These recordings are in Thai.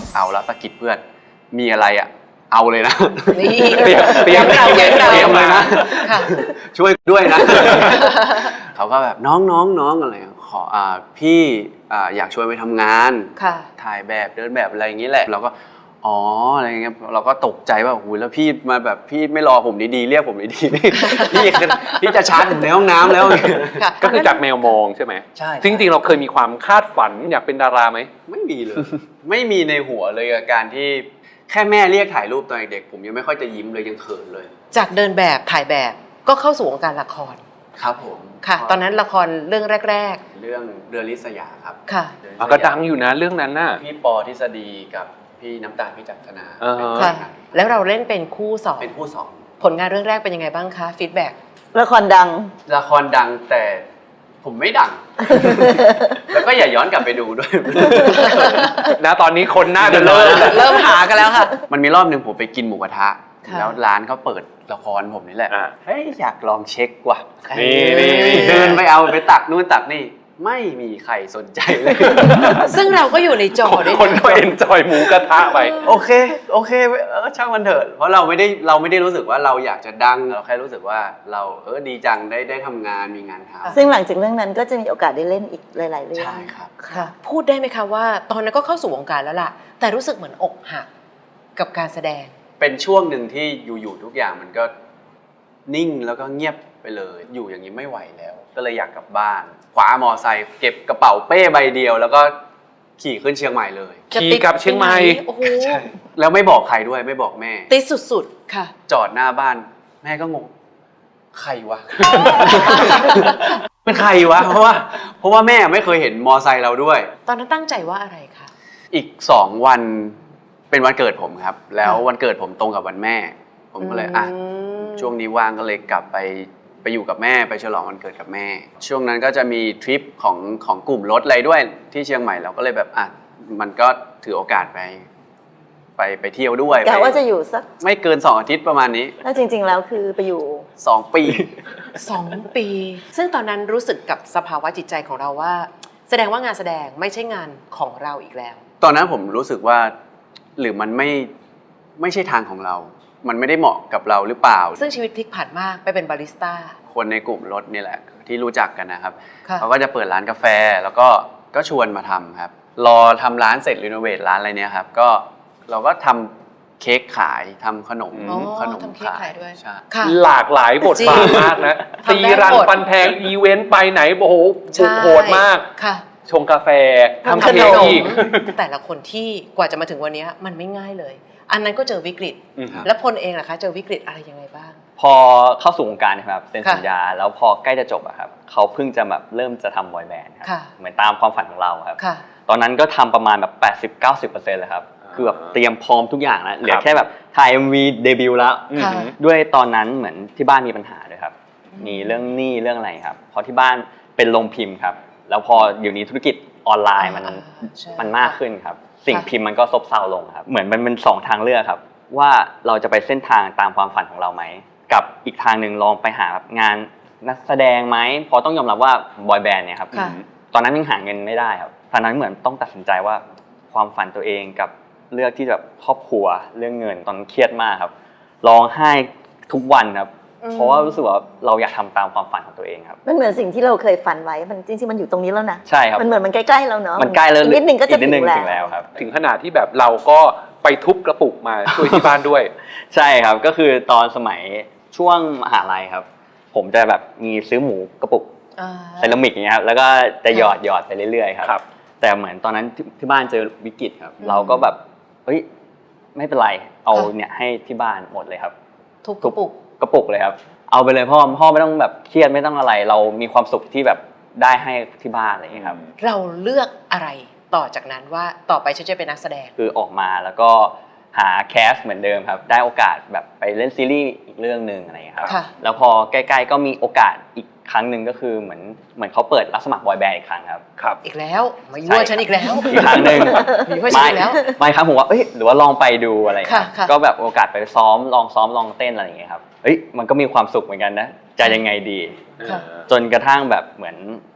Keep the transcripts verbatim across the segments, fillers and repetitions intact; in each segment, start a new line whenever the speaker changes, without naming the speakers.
เอาแล้วตะกิดเพื่อนมีอะไรอ่ะเอาเลยนะ
นี่
เตรียมเตรียม
เราเตรียมเรา
เตรียมเลยนะ
ค่ะ
ช่วยด้วยนะ เขาก็แบบน้องน้องน้องอะไรขออ่าพี่อ่าอยากชวนไปทำงาน
ค่ะ
ถ่ายแบบเดินแบบอะไรอย่างนี้แหละเราก็อ๋ออะไรอย่างเงี้ยเราก็ตกใจว่าโอ้โหแล้วพี่มาแบบพี่ไม่รอผมดีๆเรียกผมดีๆ พี่พี่จะชาร์จผมในห้องน้ำแล้ว
ค่ะ
ก็คือจากแมวมองใช่ไหม
ใช่
จริงๆเราเคยมีความคาดฝันอยากเป็นดาราไหม
ไม่มีเลย ไม่มีในหัวเลยกับการที่แค่แม่เรียกถ่ายรูปตอนเด็กผมยังไม่ค่อยจะยิ้มเลยยังเขินเลย
จากเดินแบบถ่ายแบบก็เข้าสู่วงการละคร
ครับผม
ค่ะ ตอนนั้นละครเรื่องแรก
เรื่องเรือลิศยาครับ
ๆ ค่ะ
เรือน
อ่ะ
ลิศยา
ก็ดังอยู่นะเรื่องนั้นน่ะ
พี่ปอทฤษฎีกับพี่น้ำตาลพี่จักรนา
อ่าฮะ
เป็น
ค่ะ แล้วเราเล่นเป็นคู่สอง
เป็นผู้สอง
ผลงานเรื่องแรกเป็นยังไงบ้างคะฟีดแบ็ก
ละครดัง
ละครดังแต่ผมไม่ดัง แล้วก็อย่าย้อนกลับไปดูด้วย
นะตอนนี้คนน่าจะเริ่ม
เริ่มหากันแล้วค่ะ
มันมีรอบหนึ่งผมไปกินหมูกระทะ
ค่ะ
แล้วร้านเขาเปิดละครผมนี่แหละ
อ่ะ
เฮ้ยอยากลองเช็คว่ะ
นี่นี่นี่
เดินไปเอาไปตักนู่นตักนี่ไม่มีใครสนใจเลย
ซึ่งเราก็อยู่ในจอด้วย
คนก็เอนจอยหมูกระทะไป
โอเคโอเคเออช่างมันเถอะเพราะเราไม่ได้เราไม่ได้รู้สึกว่าเราอยากจะดังเราแค่รู้สึกว่าเราเออดีจังได้ได้ทำงานมีงานทำ
ซึ่งหลังจากเรื่องนั้นก็จะมีโอกาสได้เล่นอีกหลาย ๆ เรื่อง
ใช่ครับ
ค่ะ พูดได้ไหมคะว่า ตอนนั้นก็เข้าสู่วงการแล้วล่ะ แต่รู้สึกเหมือนอกหักกับการแสดง
เป็นช่วงหนึ่งที่อยู่ๆทุกอย่างมันก็นิ่งแล้วก็เงียบไปเลยอยู่อย่างนี้ไม่ไหวแล้ว ก็เลยอยากกลับบ้านคว้ามอไซค์เก็บกระเป๋าเป้ใบเดียว แล้วก็ขี่ขึ้นเชียงใหม่เลย
ขี่กลับเชียงใหม่
โอ้โห
แล้วไม่บอกใครด้วยไม่บอกแม่
ติดสุดๆ ค่ะ
จอดหน้าบ้าน แม่ก็งงใครวะ เป็นใครวะเพราะว่าเพราะว่าแม่ไม่เคยเห็นมอไซค์เราด้วย
ตอนนั้นตั้งใจว่าอะไรคะ
อีกสองวันเป็นวันเกิดผมครับ แล้ววันเกิดผมตรงกับวันแม่ ผมก็เลยอ่ะ
ม
ช่วงนี้ว่างก็เลยกลับไปไปอยู่กับแม่ไปฉลองวันเกิดกับแม่ ช่วงนั้นก็จะมีทริปของของกลุ่มรถอะไรด้วยที่เชียงใหม่เราก็เลยแบบอ่ะมันก็ถือโอกาสไป ไปไปเที่ยวด้วย
กะว่า
ไป
จะอยู่สัก
ไม่เกินสองอาทิตย์ประมาณนี้
แล้วจริง ๆ แล้วคือไปอยู่
สองปี
สองปี ซึ่งตอนนั้นรู้สึกกับสภาวะจิตใจของเราว่า แสดงว่างานแสดงไม่ใช่งานของเราอีกแล้ว
ตอนนั้นผมรู้สึกว่าหรือมันไม่ไม่ใช่ทางของเรา มันไม่ได้เหมาะกับเราหรือเปล่า
ซึ่งชีวิตพลิกผันมากไปเป็นบาริสต้า
คนในกลุ่มรถนี่แหละที่รู้จักกันนะครับ
ค่ะ
เขาก็จะเปิดร้านกาแฟแล้วก็ก็ชวนมาทำครับ รอทำร้านเสร็จรีโนเวทร้านอะไรเนี่ยครับก็เราก็ทำเค้กขายทำขนม
อ๋อ
ขนม
ทำเค้กขายด้วย
ใช่
ค่ะ
หลากหลายบทบาทมากนะ
จริ
ตี
ง
รัน
ทำได้หมด
ฟันแทงอีเวนต์ไปไหนโอ้โห
ใช่
บุกโหดมาก
ค่ะ
ชงกาแฟทำ
ขน
เค้ก
ม
อีก
แต่ละคนที่กว่าจะมาถึงวันนี้มันไม่ง่ายเลย อันนั้นก็เจอวิกฤต
อืม
แล้วพลเองล่ะคะ เจอวิกฤตอะไรยังไงบ้าง
พอเข้าสู่วงการนะครับเซ็น
ค่ะ
สัญญาแล้วพอใกล้จะจบอะครับเขาเพิ่งจะแบบเริ่มจะทำบอยแบนด์ครั
ค่ะ
เหมือนตามความฝันของเราครับ
ค่ะ
ตอนนั้นก็ทำประมาณแบบ แปดสิบถึงเก้าสิบเปอร์เซ็นต์ เลยครับคือแบบเตรียมพร้อมทุกอย่างแล้วเหลือแค่แบบถ่าย เอ็ม วี เดบิวต์แล้ว
อืม
ค่ะ
ด้วยตอนนั้นเหมือนที่บ้านมีปัญหาด้วยครับมีเรื่องหนี้เรื่องอะไรครับเพราะที่บ้านเป็นโรงพิมพ์ครับแล้วพอเดี๋ยวนี้ธุรกิจออนไลน์มัน
อ่าใช่
มันมากขึ้นครับสิ่ง
ค่ะ
พิมพ์มันก็ซบเซาลงครับเหมือนมันเป็นสองทางเลือกครับว่าเราจะไปเส้นทางตามความฝันของเราไหมกับอีกทางหนึ่งลองไปหาแบบงานนักแสดงไหมเพราะต้องยอมรับว่าบอยแบนด์เนี่ยครับ
ค่ะ
ตอนนั้นยังหาเงินไม่ได้ครับตอนนั้นเหมือนต้องตัดสินใจว่าความฝันตัวเองกับเลือกที่แบบครอบครัวเรื่องเงินตอนนั้นเครียดมากครับร้องไห้ทุกวันครับ
อืม
เพราะว่ารู้สึกว่าเราอยากทำตามความฝันของตัวเองครับ
มันเหมือนสิ่งที่เราเคยฝันไว้มันจริง ๆ มันอยู่ตรงนี้แล้วนะ
ใช่ครับ
มันเหมือนมันใกล้ๆเราเนาะ
มันใกล้แล้ว
อีกนิดนึงก็จะ
อีนิดนึง
ถึ
ถึ
ง
ง
แล้
แล้ว วครับ
ถึงขนาดที่แบบเราก็ไปทุบกระปุกมาช่วยที่บ้านด้วย
ใช่ครับก็คือตอนสมัยช่วงมหาลัยครับ ผมจะแบบมีซื้อหมูกระปุก
อ่า
เซรามิกอย่างเงี้ยครับแล้วก็จะหยอดหยอดไปเรื่อยๆครับ
ครับ
แต่เหมือนตอนนั้นที่ที่บ้านเจอวิกฤตครับ
อืม
เราก็แบบเฮ้ยไม่เป็นไรเอา
ค่ะ
เนี่ยให้ที่บ้านหมดเลยครับ
ทุบกระปุก
กระปุกเลยครับเอาไปเลยพ่อพ่อไม่ต้องแบบเครียดไม่ต้องอะไร เรามีความสุขที่แบบได้ให้ที่บ้านอะไรอย่างเงี้ยครับ
เราเลือกอะไรต่อจากนั้นว่าต่อไปฉันจะเป็นนักแสดง
คือออกมาแล้วก็หาแคสเหมือนเดิมครับได้โอกาสแบบไปเล่นซีรีส์อีกเรื่องหนึ่งอะไรอย่างเงี้ยครับ
ค่ะ
แล้วพอใกล้ๆก็มีโอกาสอีกครั้งหนึ่งก็คือเหมือนเหมือนเขาเปิดรับสมัครบอยแบนด์อีกครั้งครับ
ครับ
อีกแล้วมายั่วฉันอีกแล้ว
อีกครั้งหนึ่ง
มีว่าฉันอีกแล้ว
ไม่ครับผมว่าเอ้ยหรือว่าลองไปดูอะไรอย่างเงี้ย
ค่ะค่ะ
ก็แบบโอกาสไปซ้อมลองซ้อมลองเต้นอะไรอย่างเงี้ยครับเอ้ยมันก็มีความสุขเหมือนกันนะจะยังไงดี
ค่ะ
จนกระทั่งแบบเหมือน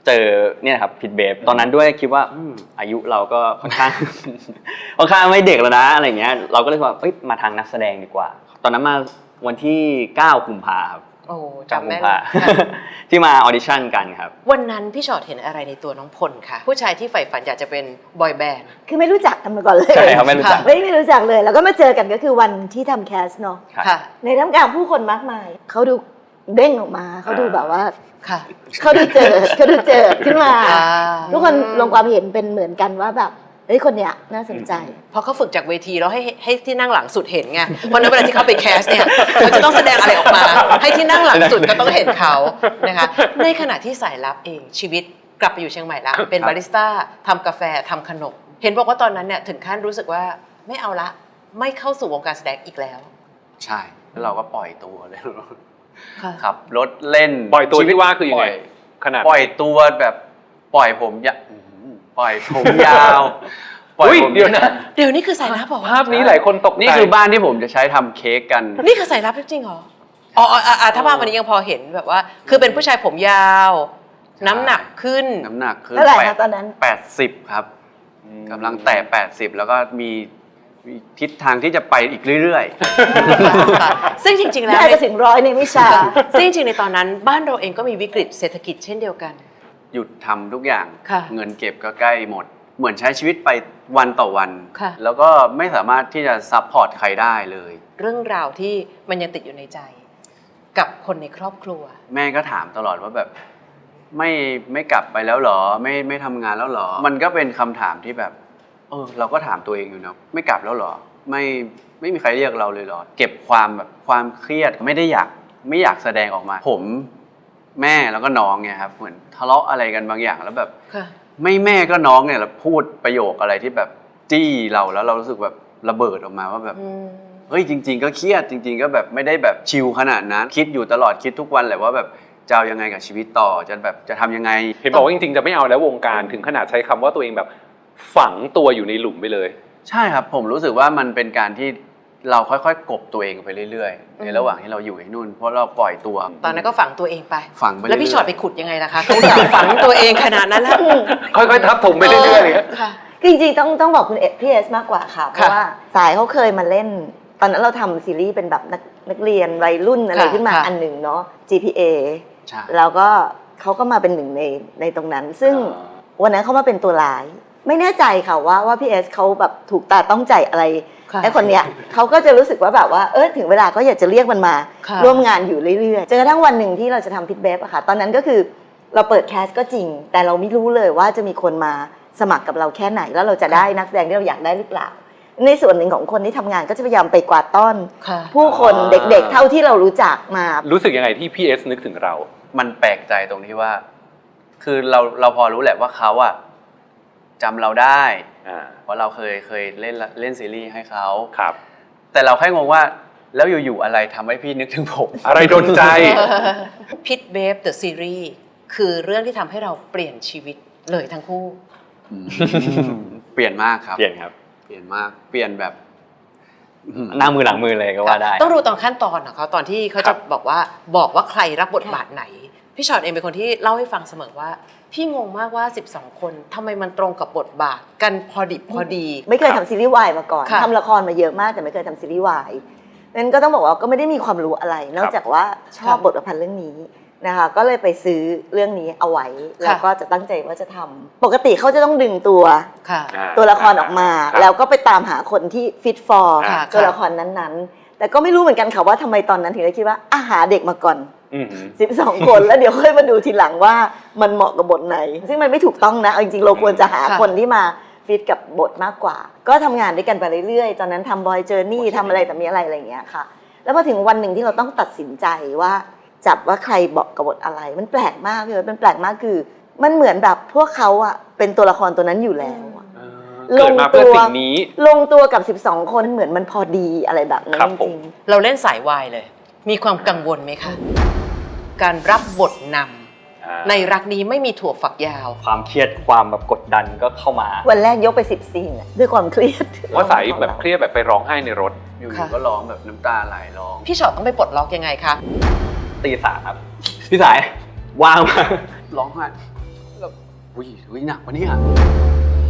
เจอเนี่ยครับผิดเบฟตอนนั้นด้วยคิดว่าอืมอายุเราก็ค่อนข้าง ค่อนข้างไม่เด็กแล้วนะอะไรเงี้ยเราก็เลยว่าเอ้ยมาทางนักแสดงดีกว่า ตอนนั้นมาวันที่เก้ากุมภาครับ
โอ้
เก้า
จำ
กุ
แม่
ม
น
ภา
ค่ะ
ที่มาออดิชั่นกันครับ
วันนั้นพี่ชอตเห็นอะไรในตัวน้องพลคะผู้ชายที่ใฝ่ฝันอยากจะเป็นบอยแบนด์
คือไม่รู้จักกันมาก่อนเลย
ใช่ครับไม่รู้จัก
ไม่ไม่รู้จักเลย แล้วก็มาเจอกันก็คือวันที่ทำแคสเนาะ
ครับ
ค่ะ
ในท่ามกลางผู้คนมากมายเขาดูเด้งออกมาเขาดูแบบว่า
ค่ะ
เขาดูเจอเขาดูเจอขึ้นมา
อ่า
ทุกคนลงความเห็นเป็นเหมือนกันว่าแบบเฮ้ยคนเนี้ยน่าสนใจ
เพราะเขาฝึกจากเวทีแล้วให้ให้ที่นั่งหลังสุดเห็นไงเพราะนั้นเวลาที่เขาไปแคสเนี่ยเขาจะต้องแสดงอะไรออกมา ให้ที่นั่งหลังสุดก็ต้องเห็นเขานะคะในขณะที่สายลับเองชีวิตกลับไปอยู่เชียงใหม่ละเป็นบาริสต้าทำกาแฟทำขนมเห็นบอกว่าตอนนั้นเนี่ยถึงขั้นรู้สึกว่าไม่เอาละไม่เข้าสู่วงการแสดงอีกแล้ว
ใช่แล้วเราก็ปล่อยตัวเลย
ค่ะ
ขับรถเล่น
ปล่อยตัวที่ว่าคือยังไง
ปล่
ขนาด
ปล่อยตัวแบบปล่อยผมยาอื้อหือปล่อยผมยาวปล่อย
อุ๊ย
ผม
เดี๋ยวนะ
เดี๋ยวนี้คือสายลับเหรอ
ภาพนี้หลายคนตกใจ
นี่คือบ้านที่ผมจะใช้ทำเค้กกัน
นี่คือสายลับจริงๆเหรออ๋ออ๋ออ่ะอ่ะถ้าภาพวันนี้ยังพอเห็นแบบว่า คือเป็นผู้ชายผมยาว น้ำหนักขึ้น
น้ำหนักคือ
เท่าไหร่
แป
คะ
ด
ตอนนั้น
แปดสิบครับกำลังแตะแปดสิบแล้วก็มีมีทิศทางที่จะไปอีกเรื่อย
ค่ะซึ่งจริงๆแล้ว
น่าจะถึงร้อยในวิชา
ซึ่งจริงๆในตอนนั้นบ้านเราเองก็มีวิกฤตเศรษฐกิจเช่นเดียวกัน
ๆ หยุดทำทุกอย่าง
ค่ะ
เงินเก็บก็ใกล้หมด เหมือนใช้ชีวิตไปวันต่อวัน
ค่ะ
แล้วก็ไม่สามารถที่จะซัพพอร์ตใครได้เลย
เรื่องราวที่มันยังติดอยู่ในใจ กับคนในครอบครัว
แม่ก็ถามตลอดว่าแบบไม่ไม่กลับไปแล้วเหรอ ไม่ไม่ทำงานแล้วเหรอ มันก็เป็นคำถามที่แบบ เออ เราก็ถามตัวเองอยู่นะไม่กลับแล้วเหรอ ไม่ไม่มีใครเรียกเราเลยเหรอ เก็บความแบบความเครียดไม่ได้อยากไม่อยากแสดงออกมา ผมแม่แล้วก็น้องเนี่ยครับเหมือนทะเลาะอะไรกันบางอย่างแล้วแบบ
ค่ะ
ไม่แม่ก็น้องเนี่ยเราพูดประโยคอะไรที่แบบจี้เราแล้วเรารู้สึกแบบระเบิดออกมาว่าแบบ
อืม
เฮ้ยจริง ๆ ก็เครียดจริง ๆ ก็แบบไม่ได้แบบชิลขนาดนั้นคิดอยู่ตลอดคิดทุกวันแหละว่าแบบจะเอายังไงกับชีวิตต่อจะแบบจะทำยังไง
เห็นบอกว่าจริงๆจะไม่เอาแล้ววงการถึงขนาดใช้คำว่าตัวเองแบบฝังตัวอยู่ในหลุมไปเลย
ใช่ครับผมรู้สึกว่ามันเป็นการที่เราค่อยๆกลบตัวเองไปเรื่อยๆในระหว่างที่เราอยู่ที่นู่นเพราะเราปล่อยตัว
ตอนนั้นก็ฝังตัวเองไป
ฝังไปเรื่อยๆ
แล้วพี่ชอตไปขุดยังไงล่ะคะเขาอยากฝังตัวเองขนาดนั้นแล้ว
ค่อยๆทับถมไปเรื่อยๆเลย
ค่ะ
จริงๆต้องต้องบอกคุณเอพี่เอสมากกว่าค่ะ เพราะว่าสายเขาเคยมาเล่น ตอนนั้นเราทำซีรีส์เป็นแบบนักนักเรียนวัยรุ่นอะไร
ค่ะ
ขึ้นมา
ค่ะ
อันหนึ่งเนาะ จี พี เอ
ใช่
แล้วก็เขาก็มาเป็นหนึ่งในในตรงนั้น ซึ่งวันนั้นเขามาเป็นตัวร้าย ไม่แน่ใจค่ะว่าว่าพี่เอสเขาแบบถูกตาต้องใจอะไร
ค่ะ
ไอ้คนเนี้ยเขาก็จะรู้สึกว่าแบบว่าเออถึงเวลาก็อยากจะเรียกมันมา
ค่ะ
ร่วมงานอยู่เรื่อยๆจนกระทั่งวันหนึ่งที่เราจะทำพิทเบฟอะค่ะตอนนั้นก็คือเราเปิดแคสก็จริง แต่เราไม่รู้เลยว่าจะมีคนมาสมัครกับเราแค่ไหน แล้วเราจะได้นักแสดงที่เราอยากได้หรือเปล่า ในส่วนหนึ่งของคนที่ทำงานก็จะพยายามไปกวาดต้อน
ค่ะ
ผู้คนเด็กๆ เท่าที่เรารู้จักมา
รู้สึกยังไงที่พี่เอสนึกถึงเรา
มันแปลกใจตรงที่ว่า คือเราเราพอรู้แหละว่าเขาอะจำเราได้
อ่า
เพราะเราเคยเคยเล่นเล่นซีรีส์ให้เขา
ครับ
แต่เราแค่งงว่าแล้วอยู่ๆอะไรทำให้พี่นึกถึงผม
อะไรโดนใจ
พิทเบฟเดอะซีรีส์คือเรื่องที่ทำให้เราเปลี่ยนชีวิตเลยทั้งคู่
อืมเปลี่ยนมากครับ
เปลี่ยนครับ
เปลี่ยนมาก เปลี่ยนแบบอืม
หน้ามือหลังมือเลยก็ว่าได้
ต้องดูตอนขั้นตอนของเขาตอนที่เขา
ครั
จะ
บ
บอกว่าบอกว่าใครรับบทบาทไหน พี่ชอตเองเป็นคนที่เล่าให้ฟังเสมอว่า พี่งงมากว่าสิบสองคนทำไมมันตรงกับบทบาทกันพอดิบพอดี
ไม่เคยทำซีรีส์วายมาก่อน
ค่ะ
ทำละครมาเยอะมากแต่ไม่เคยทำซีรีส์วายนั้นก็ต้องบอกว่าก็ไม่ได้มีความรู้อะไร นอกจากว่าชอบบทประพันธ์เรื่องนี้นะคะก็เลยไปซื้อเรื่องนี้เอาไว้ แล้วก็จะตั้งใจว่าจะทำปกติเขาจะต้องดึงตัว
ค่ะ
อ่า
ตัวละครออกมา
ครับ
แล้วก็ไปตามหาคนที่ฟิตฟอร์
ค่ะ
ตัวละครนั้นๆ แต่ก็ไม่รู้เหมือนกันค่ะว่าทำไมตอนนั้นถึงได้คิดว่าอาหาเด็กมาก่อน
อือหือ
สิบสอง คน แล้วเดี๋ยวค่อยมาดูทีหลังว่ามันเหมาะกับบทไหน ซึ่งมันไม่ถูกต้องนะเอาจริงๆเราควรจะหา
ค่ะ
คนที่มาฟิตกับบทมากกว่า ก็ทำงานด้วยกันไปเรื่อยๆ ตอนนั้นทำบอยเจอร์นี่ทำอะไรแต่มีอะไรอะไรอย่างเงี้ยค่ะ แล้วพอถึงวันหนึ่งที่เราต้องตัดสินใจว่าจับว่าใครเหมาะกับบทอะไร มันแปลกมากเลยมันแปลกมากคือ มันเหมือนแบบพวกเขาอะเป็นตัวละครตัวนั้นอยู่แล้วอะ
เออเกิดมาเพื่อสิ่งนี้
ลงตัวกับสิบสองคนเหมือนมันพอดีอะไรแบบนั้น
ครับ
จ
ผม
ริงๆ
เราเล่นสายวายเลย มีความกังวลไหมคะ การรับบทนำ
อ่า
ในรักนี้ไม่มีถั่วฝักยาว
ความเครียดความแบบกดดันก็เข้ามา
วันแรกยกไปสิบซีนอะด้วยความเครียด
ว่าสายแบบเครียดแบบไปร้องไห้ในรถ
อยู่
ค่ะ
ๆก็ร้องแบบน้ำตาไหลร้อง
พี่ชอตต้องไปปลดล็อกยังไงคะ
ตีสามครับ พี่สายว่างมาก
ร้องไห้อุ้ยอุ้ยหนักวะเนี่ย